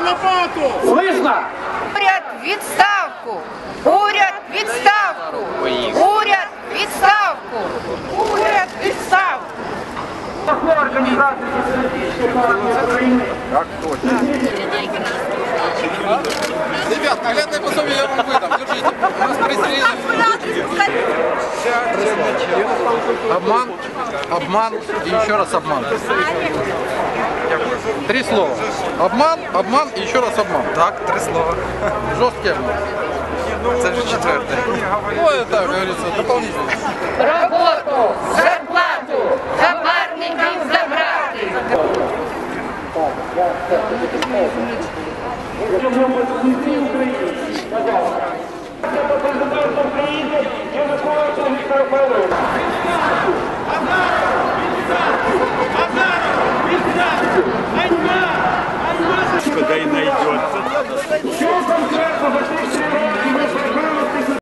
лопату! Слышно? Уряд відставку! Уряд відставку! Уряд відставку! Уряд відставку! Организации Социалистической партии Украины. Так точно. Ребят, наглядное пособие я вам выдам. Держите. У нас пристрелили. Обман, обман и еще раз обман. 3 слова. Обман, обман и еще раз обман. Так, 3 слова. Жесткий обман. Це вже 4. Ну, это, как говорится, дополнительно. Роботу, зарплату, хабарників забрати! Якщо ви Україні, пожалуйста.